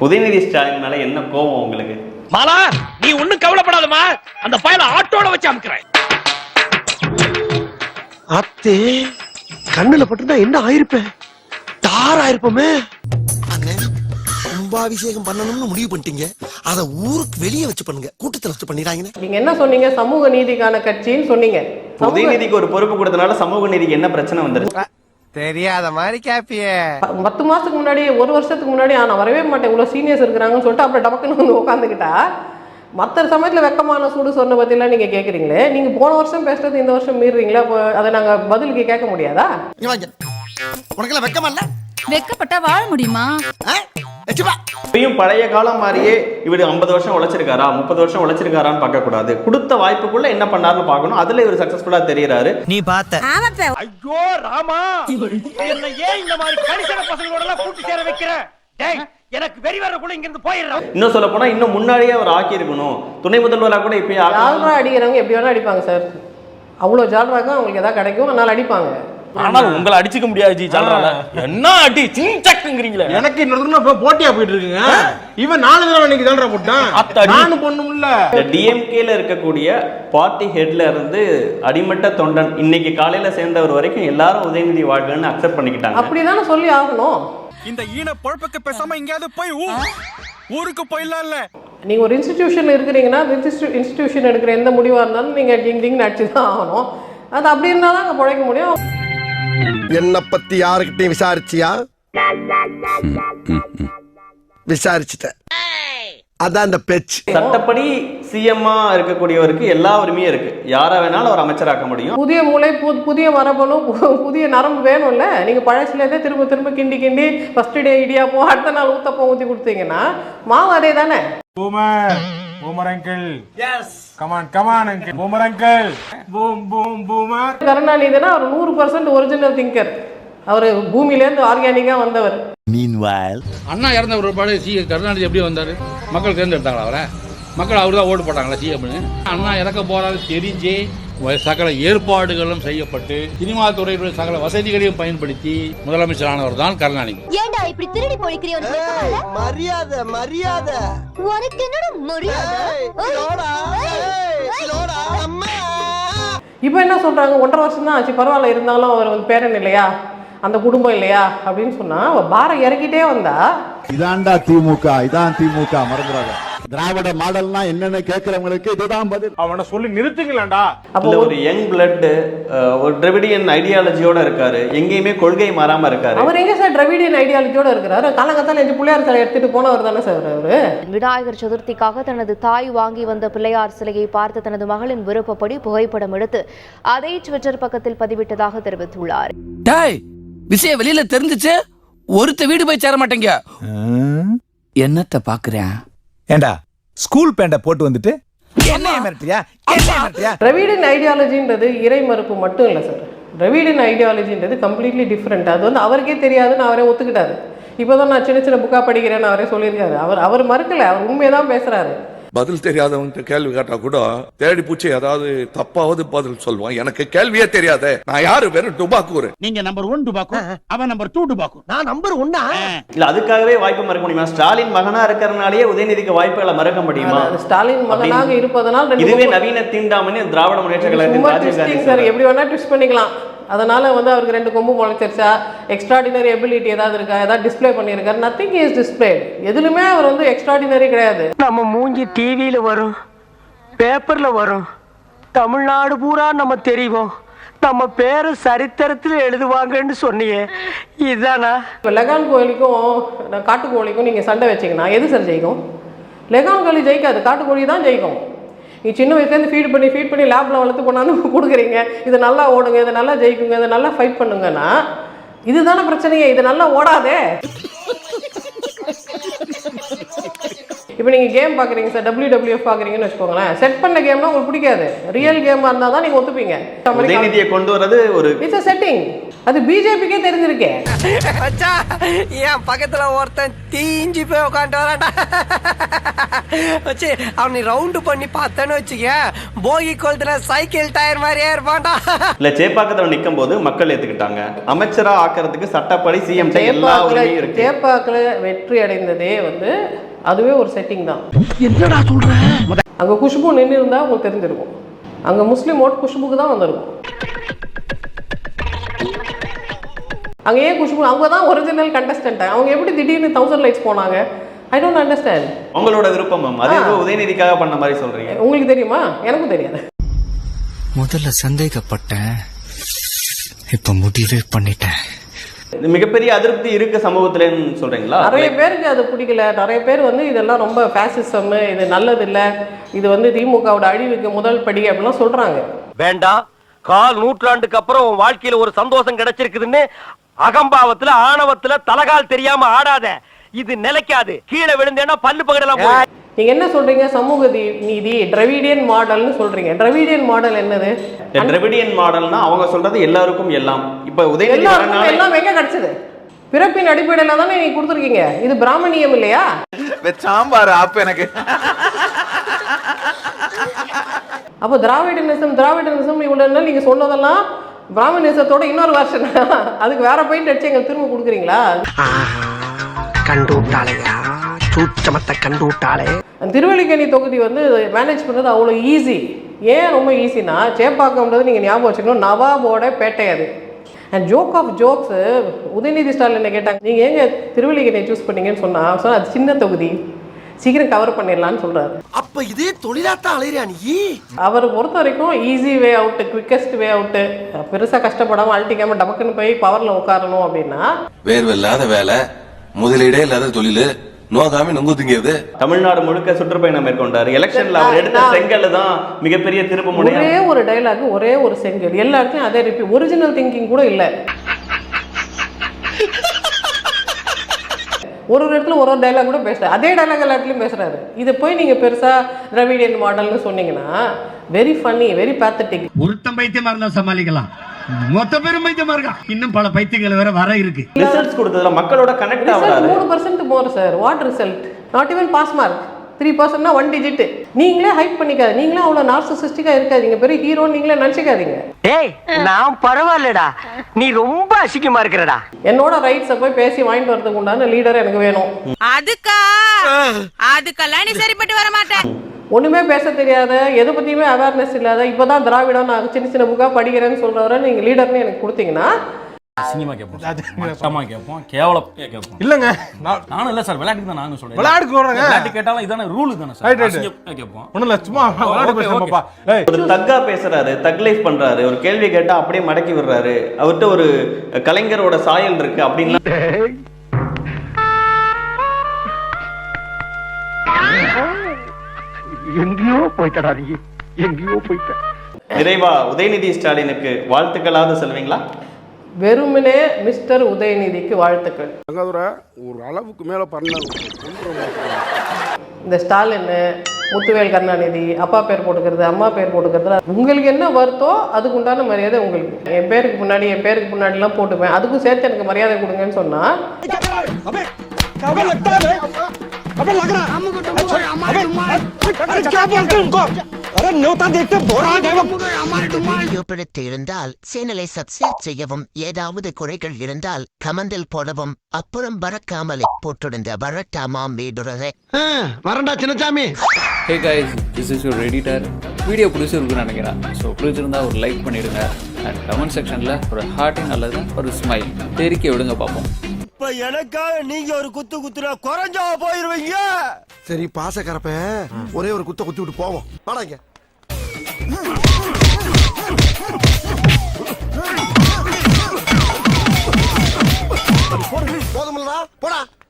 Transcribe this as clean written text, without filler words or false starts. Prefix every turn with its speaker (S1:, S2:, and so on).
S1: உதயநிதி ஸ்டாலின் மேல என்ன கோபம் உங்களுக்கு?
S2: மாலா, நீ ஒண்ணும் கவலைப்படாதமா, அந்த ஃபைல ஆட்டோட வச்சு அமுக்குறேன்.
S3: அத்தே கண்ணுல பட்டுனா என்ன ஆயிருப்பேன்? தாராயிருப்போமே.
S4: அண்ணே, கும்பாபிஷேகம் பண்ணணும்னு முடிவு பண்ணிட்டீங்க. அத ஊருக்கு வெளியே வச்சு பண்ணுங்க, கூட்டத்துல வச்சு பண்ணிடாங்க.
S5: நீங்க என்ன சொன்னீங்க? சமூக நீதிக்கான கட்சின்னு சொன்னீங்க.
S1: உதயநிதிக்கு ஒரு பொறுப்பு கொடுத்தனால சமூக நீதிக்கு என்ன பிரச்சனை வந்துருச்சு?
S3: தெரியாத மாதிரி கேப்பியே.
S5: 10 மாசத்துக்கு முன்னாடி, ஒரு வருஷத்துக்கு முன்னாடி நான் வரவே மாட்டேன், இவ்வளவு சீனியர்ஸ் இருக்கிறாங்கன்னு சொல்லிட்டு அப்புறம் டபக்குன்னு வந்து உட்காந்துக்கிட்டா, மற்ற சமயத்தில் வெக்கமான சூடு சொன்ன பற்றிலாம் நீங்கள் கேட்குறீங்களே, நீங்கள் போன வருஷம் பேசுறது இந்த வருஷம் மீறுறீங்களா? அதை நாங்கள் பதிலுக்கு கேட்க முடியாதா?
S4: உனக்கெல்லாம் வெக்கமா இல்ல?
S6: வெக்கப்பட்டா வாழ முடியுமா?
S1: இப்பயும் பழைய காலம் மாதிரியே இவர் 50 வருஷம் உழைச்சிருக்காரா, 30 வருஷம் உழைச்சிருக்காரான்னு பார்க்க கூடாது. கொடுத்த வாய்ப்புக்குள்ள என்ன பண்ணாருன்னு பார்க்கணும். அதுல இவர் சக்சஸ்ஃபுல்லா தெரியறாரு.
S3: நீ பார்த்த
S2: ஐயோ ராமா, என்ன ஏன் இந்த மாதிரி கடிசன பசங்களோட எல்லாம் கூட்டி சேர வைக்கிற? டேய், எனக்கு வெறி வரக்குள்ள இங்க இருந்து போயிடுறேன்.
S1: இன்னும் சொல்ல போனா இன்னும் முன்னாடியே அவர் ஆக்கி இருக்கணும். துணை முதல்வரா கூட இப்பயே
S5: ஜால்ரா அடிக்கிறவங்க எப்படி வேணா அடிப்பாங்க சார். அவ்வளோ ஜால்ராக்கும் அவங்களுக்கு எதாவது கிடைக்கும், அதனால அடிப்பாங்க.
S2: ஆனா உங்களை அடிச்சுக்க முடியாது ஜி. ஜால்ரால என்ன அடி சிங்சக்குங்கறீங்களே.
S7: எனக்கு இன்னொரு போட்டியா போயிட்டு இருக்குங்க. இவன் 4 தடவை இன்னைக்கு ஜால்ரா போட்டான். நானும் பொண்ணுமில்ல.
S1: டிஎம்கேல இருக்கக்கூடிய பார்ட்டி ஹெட்ல இருந்து அடிமட்ட தொண்டன் இன்னைக்கு காலையில சேர்ந்தவர் வரைக்கும் எல்லாரும் உதயநிதி வாழ்க்கைன்னு அக்செப்ட் பண்ணிக்கிட்டாங்க.
S5: அப்படிதானே சொல்லி ஆகணும்.
S7: இந்த ஈன பொழப்புக்கு பேசாம எங்கயாவது போய் ஊருக்கு போயிடலாம் இல்ல.
S5: நீங்க ஒரு இன்ஸ்டிடியூஷன் இருக்கிறீங்கன்னா, இன்ஸ்டிடியூஷன் எடுக்கிற எந்த முடிவா இருந்தாலும் நீங்க டிங் டிங் அடிச்சு தான் ஆகணும். அது அப்படி இருந்தா தான் அங்க பிழைக்க முடியும்.
S4: என்ன பத்தி யாருக்கிட்டையும் விசாரிச்சியா? விசாரிச்சுட்டேன். அதான் அந்த பேச்சு.
S1: சட்டப்படி சிஎம்மா இருக்கக்கூடியவருக்கு எல்லா உரிமையும் இருக்கு. யாரை வேணாலும் அவர் அமைச்சராக்க முடியும்.
S5: புதிய மூளை, புதிய மரபணு, புதிய நரம்பு வேணும்ல. நீங்க பழசுலேருந்தே திரும்ப திரும்ப கிண்டி கிண்டி ஃபர்ஸ்ட் டே இடியாப்போ அடுத்த நாள் ஊத்தப்போ ஊற்றி கொடுத்தீங்கன்னா மாவு அதே தானே.
S7: Boomer uncle. Yes. Come on uncle. Boomer uncle. Boom boomer.
S5: கருணாநிதினா அவர் 100% ஒரிஜினல் திங்கர். அவர் பூமியிலேருந்து ஆர்கானிக்கா வந்தவர்.
S4: Meanwhile,
S8: அண்ணா இறந்த ஒரு பாடு கருணாநிதி எப்படி வந்தாரு? மக்கள் தேர்ந்தெடுத்தாங்களா அவரை? மக்கள் அவரு தான் ஓட்டு போட்டாங்களா சிஎம்னு? அண்ணா இறக்க போறாரு தெரிஞ்சே சகல ஏற்பாடுகளும் செய்யப்பட்டு சினிமா துறையுடைய சகல வசதிகளையும் பயன்படுத்தி முதலமைச்சரானவர் தான் கருணாநிதி.
S6: ஏண்டா இப்படி திருடி போய்க்கிறிய?
S4: மரியாதை
S6: உனக்கு என்னடா மரியாதை?
S5: இப்போ என்ன சொல்றாங்க? 1.5 வருஷம் தான் ஆச்சு, பரவாயில்ல, இருந்தாலும் அவர் வந்து பேரன் இல்லையா, அந்த குடும்பம் இல்லையா அப்படின்னு சொன்னா பாரம் இறக்கிட்டே வந்தா.
S9: இதான்டா திமுக, இதான் திமுக, மறந்துடாத. திராவிட மாடல்னா என்னன்னு கேட்கிறவங்களுக்கு இதுதான் பதில்.
S7: அவனை சொல்லி நிறுத்துங்களேன்டா.
S1: அப்போ ஒரு யங் பிளட், ஒரு டிராவிடியன் ஐடியாலஜியோட இருக்காரு. எங்கேயுமே கொள்கை மாறாம இருக்காரு.
S5: அவர் எங்க சார் டிராவிடியன் ஐடியாலஜியோட இருக்கிறாரு? காலங்கத்தால 5 பிள்ளையார் சிலை எடுத்துட்டு போனவர் தானே சார் அவரு.
S10: விநாயகர் சதுர்த்திக்காக தனது தாய் வாங்கி வந்த பிள்ளையார் சிலையை பார்த்து தனது மகளின் விருப்பப்படி புகைப்படம் எடுத்து அதை ட்விட்டர் பக்கத்தில் பதிவிட்டதாக தெரிவித்துள்ளார்.
S2: விஷயம் வெளியில தெரிஞ்சிச்சு, ஒருத்த வீடு போய் சேர மாட்டேங்க. என்னத்த பாக்குறேன்?
S9: ஏண்டா ஸ்கூல் பேண்ட போட்டு வந்துட்டு என்ன மிரட்டியா?
S5: டிராவிடியன் ஐடியாலஜின்றது இறை மறுப்பு மட்டும் இல்லை சார். டிராவிடியன் ஐடியாலஜின்றது கம்ப்ளீட்லி டிஃப்ரெண்ட். அது வந்து அவருக்கே தெரியாதுன்னு அவரே ஒத்துக்கிட்டாரு. இப்போதான் நான் சின்ன புக்கா படிக்கிறேன்னு அவரே சொல்லியிருக்காரு. அவர் மறுக்கல, அவர் உண்மையதான் பேசுறாரு.
S11: பதில் தெரியாதவன்ட்டு கேள்வி கேட்டா கூட தேடி பூச்சி ஏதாவது தப்பாவது பதில் சொல்லுவான். எனக்கு கேள்வியே தெரியாத, நான் யாரு? வெறும் டுபாக்கூர்.
S2: நீங்க நம்பர் 1 டுபாக்கூ, அவன் நம்பர் 2 டுபாக்கூ,
S4: நான் நம்பர் 1.
S1: இல்ல அதுக்காகவே வாய்ப்பு மறக்க முடியுமா? ஸ்டாலின் மகனா இருக்கிறனாலேயே உதயநிதிக்கு வாய்ப்புகளை மறக்க முடியுமா?
S5: ஸ்டாலின் மகனாக இருப்பதனால்
S1: இதுவே நவீன தீண்டாமணி திராவிட முன்னேற்ற கழகத்தின்
S5: சார் எப்படி வேணா ட்விஸ்ட் பண்ணிக்கலாம். அதனால வந்து அவருக்கு 2 கொம்பு முளைச்சிருச்சா, எக்ஸ்ட்ராடினரி எபிலிட்டி ஏதாவது இருக்கா, ஏதாவது டிஸ்பிளே பண்ணியிருக்காரு? Nothing is displayed. எதுலுமே அவர் வந்து எக்ஸ்ட்ராடினரி கிடையாது.
S3: நம்ம மூஞ்சி டிவியில வரும், பேப்பர்ல வரும், தமிழ்நாடு பூரா நம்ம தெரியும், நம்ம பேரு சரித்திரத்தில் எழுதுவாங்கன்னு சொன்னியே, இதுதானா?
S5: இப்போ லெகான் கோழிக்கும் காட்டுக்கோழிக்கும் நீங்கள் சண்டை வச்சிங்கன்னா எது சார் ஜெயிக்கும்? லெகான் கோழி ஜெயிக்காது, காட்டுக்கோழி தான் ஜெயிக்கும். நீ சின்ன வயசுலேருந்து ஃபீட் பண்ணி லேபில் வளர்த்து கொண்டாந்து கொடுக்குறீங்க. இது நல்லா ஓடுங்க, இது நல்லா ஜெயிக்குங்க, இதை நல்லா ஃபைட் பண்ணுங்கன்னா இதுதானே பிரச்சனையே. இது நல்லா ஓடாதே. இப்போ நீங்கள் கேம் பார்க்குறீங்க சார், WWF பார்க்குறீங்கன்னு வச்சுக்கோங்களேன். செட் பண்ண கேம்னா உங்களுக்கு பிடிக்காது. ரியல் கேமாக இருந்தால் தான் நீங்கள் ஒத்துப்பீங்க.
S1: உதயநிதியை கொண்டு வரது ஒரு
S5: இட்ஸ் செட்டிங். அது பிஜேபிக்கே தெரிஞ்சிருக்கேன்.
S3: என் பக்கத்துல ஒருத்தன் தீஞ்சு போய் உட்காந்து வரான்டா. வச்சு அவனை ரவுண்டு பண்ணி பார்த்தேன்னு வச்சுக்க போகி கொளுத்துல சைக்கிள் டயர் மாதிரியே இருப்பான்டா.
S1: இல்ல சேப்பாக்கத்துல நிக்கும் போது மக்கள் ஏத்துக்கிட்டாங்க. அமைச்சரா ஆக்குறதுக்கு சட்டப்படி சிஎம் எல்லா உரிமையும் இருக்கு.
S5: சேப்பாக்கில் வெற்றி அடைந்ததே வந்து அதுவே ஒரு செட்டிங் தான்.
S3: என்னடா சொல்ற?
S5: அங்க குஷ்பு நின்று இருந்தா உங்களுக்கு தெரிஞ்சிருக்கும். அங்க முஸ்லீம் ஓட் குஷ்புக்கு தான் வந்திருக்கும். அங்க ஏன் குஷ்பு? அவங்க தான் ஒரிஜினல் கண்டஸ்டன்ட். அவங்க எப்படி திடீர்னு 1000 லைட்ஸ் போனாங்க? I don't understand.
S1: உங்களோட விருப்பம் மேம். அது ஏதோ உதயநிதிக்காக பண்ண மாதிரி சொல்றீங்க.
S5: உங்களுக்கு தெரியுமா? எனக்கும் தெரியாது.
S3: முதல்ல சந்தேகப்பட்டேன், இப்ப முடிவே பண்ணிட்டேன்.
S1: மிகப்பெரிய அதிருப்தி இருக்கு சமூகத்துலன்னு சொல்றீங்களா?
S5: நிறைய பேருக்கு அது பிடிக்கல. நிறைய பேர் வந்து இதெல்லாம் ரொம்ப ஃபேசிசம், இது நல்லது இல்லை, இது வந்து திமுகவோட அழிவுக்கு முதல் படி அப்படிலாம் சொல்றாங்க.
S2: வேண்டாம், கால் நூற்றாண்டுக்கு அப்புறம் உன் வாழ்க்கையில ஒரு சந்தோஷம் கிடைச்சிருக்குதுன்னு அகம்பாவத்துல ஆணவத்துல தலகால் தெரியாம ஆடாத. இது நிலைக்காது. கீழே விழுந்தேன்னா பல்லு பகடலாம்.
S5: நீங்க என்ன சொல்றீங்க? சமூக நீதி டிராவிடியன் மாடல்னு சொல்றீங்க. டிராவிடியன் மாடல் என்னது?
S1: டிராவிடியன் மாடல்னா அவங்க சொல்றது எல்லாருக்கும் எல்லாம். இப்ப உதயநிதி
S5: எல்லாம் எங்க கிடைச்சது? பிறப்பின் அடிப்படையில தானே நீங்க கொடுத்துருக்கீங்க. இது பிராமணியம் இல்லையா?
S7: சாம்பார் அப்ப எனக்கு
S5: அப்போ திராவிடனிசம் இவ்வளவு நீங்க சொன்னதெல்லாம் பிராமணிசத்தோட இன்னொரு வருஷன். அதுக்கு வேற பெயிண்ட் அடிச்சு எங்களுக்கு திரும்ப கொடுக்குறீங்களா?
S3: கண்டு விட்டாளையா, சூச்சமத்தை கண்டு விட்டாளே.
S5: திருவல்லிக்கேணி தொகுதி வந்து மேனேஜ் பண்ணுறது அவ்வளோ ஈஸி. ஏன் ரொம்ப ஈஸினா, சேப்பாக்கம்ன்றது நீங்கள் ஞாபகம் வச்சுக்கணும், நவாபோட பேட்டை அது. And joke of jokes, Udhayanidhi Stalin என்ன கேட்டாங்க, நீங்கள் ஏங்க திருவல்லிக்கேணியை சூஸ் பண்ணீங்கன்னு சொன்னால் அது சின்ன தொகுதி, சீக்கிரம் கவர் பண்ணிடலான்னு சொல்கிறாரு.
S4: அப்ப இதே தொழிலாத்தான் அலையிறியா நீ?
S5: அவரை பொறுத்த வரைக்கும் easy way out, quickest way out, பெருசாக கஷ்டப்படாமல் அழட்டிக்காமல் டபக்குன்னு போய் பவரில் உட்காரணும் அப்படின்னா.
S11: வேர்வில்லாத வேலை, முதலீடே இல்லாத தொழில், நோகாம நொங்குதுங்கிறது.
S1: தமிழ்நாடு முழுக்க சுற்றுப்பயணம் மேற்கொண்டாரு. எலெக்ஷன்ல அவர் எடுத்த செங்கல் தான் மிகப்பெரிய திருப்பு முனை.
S5: ஒரே ஒரு டைலாக், ஒரே ஒரு செங்கல், எல்லாருக்கும் அதே ரிப்பீட். ஒரிஜினல் திங்கிங் கூட இல்லை. ஒரு இடத்துல ஒரு டைலாக் கூட பேசுறாரு, அதே டைலாக் எல்லா இடத்துலையும் பேசுறாரு. இதை போய் நீங்க பெருசா திராவிடியன் மாடல்னு சொன்னீங்கன்னா வெரி ஃபன்னி, வெரி பேத்தட்டிக்.
S2: ஒருத்தம் பைத்தியமா இருந்தா சமாளிக்கலாம், மொத்த பேரும் பைத்தியமா இருக்கா. இன்னும் பல பைத்தியங்கள் வேற வர இருக்கு.
S1: ரிசல்ட்ஸ் கொடுத்ததுல மக்களோட கனெக்ட் ஆகுறாரு.
S5: 3% more sir. What result? Not even pass mark. 3% 1 digit. நீங்களே ஹைப் பண்ணிக்காது. நீங்களே அவ்வளவு நார்சிசிஸ்டிக்கா இருக்காதீங்க. பெரிய ஹீரோ நீங்களே நினைச்சுக்காதீங்க.
S3: ஏய், நான் பரவாயில்லடா, நீ ரொம்ப அசிங்கமா இருக்கிறடா.
S5: என்னோட ரைட்ஸை போய் பேசி வாங்கிட்டு வரதுக்கு உண்டான லீடர் எனக்கு வேணும்.
S6: அதுக்கெல்லாம் நீ சரிப்பட்டு வர மாட்டேன்.
S5: ஒண்ணுமே பேச தெரியாத, எதை பத்தியுமே அவேர்னஸ் இல்லாத, இப்பதான் திராவிடம் நான் சின்ன சின்ன புக்கா படிக்கிறேன்னு சொல்றவரை நீங்க லீடர்னு எனக்கு கொடுத்தீங்கன்னா
S7: அசிங்கமா கேட்போம், மட்டமா கேட்போம், கேவலம் கேட்போம். இல்லங்க, நானும் இல்ல சார், விளையாட்டுக்கு தான் நானும் சொல்றேன். விளையாட்டுக்கு சொல்றேங்க. விளையாட்டு கேட்டாலும் இதான ரூல் தானே சார். அசிங்கமா கேட்போம். ஒண்ணும் இல்ல, சும்மா விளையாட்டு பேசுறோம்ப்பா.
S1: ஒரு தக்கா பேசுறாரு, தக் லைஃப் பண்றாரு, ஒரு கேள்வி கேட்டா அப்படியே மடக்கி விடுறாரு. அவர்கிட்ட ஒரு கலைஞரோட சாயல் இருக்கு அப்படின்னா.
S3: எங்கேயோ போய்ட்டடா நீ, எங்கேயோ போய்ட்ட.
S1: நிறைவா உதயநிதி ஸ்டாலினுக்கு வாழ்த்துக்களாவது சொல்வீங்களா?
S5: வெறுமனே மிஸ்டர் உதயநிதிக்கு வாழ்த்துக்கள்.
S9: ஒரு அளவுக்கு மேல பண்ணணும்.
S5: இந்த ஸ்டாலின், முத்துவேல் கருணாநிதி அப்பா பேர் போட்டுக்கிறது, அம்மா பேர் போட்டுக்கிறது, உங்களுக்கு என்ன வருத்தோ அதுக்கு உண்டான மரியாதை உங்களுக்கு. என் பேருக்கு முன்னாடிலாம் போட்டுப்பேன், அதுக்கும் சேர்த்து எனக்கு மரியாதை கொடுங்கன்னு சொன்னா
S4: இருந்தால் சேனலை சப்ஸ்கிரைப் செய்யவும், ஏதாவது குறைகள் இருந்தால் கமெண்டில் போடவும், அப்புறம் பறக்காமலே போட்டிருந்த வரட்டாமாம் வீடுறதே. வரண்டா Chinnasamy.
S12: Hey guys, this is your editor. Video பிடிச்சிருக்குன்னு நினைக்கிறேன். ஸோ பிடிச்சிருந்தா ஒரு லைக் பண்ணிடுங்க அண்ட் கமெண்ட் செக்ஷனில் ஒரு ஹார்ட்டிங் அல்லது ஒரு ஸ்மைல் தெரிக்க விடுங்க பார்ப்போம்.
S2: இப்ப எனக்காக நீங்க ஒரு குத்து குத்துனா குறைஞ்சா போயிருவீங்க.
S4: சரி, பாசக்கரப்ப ஒரே ஒரு குத்த குத்தி விட்டு போவோம். வாடாங்க. போதுமில்லடா, போடா.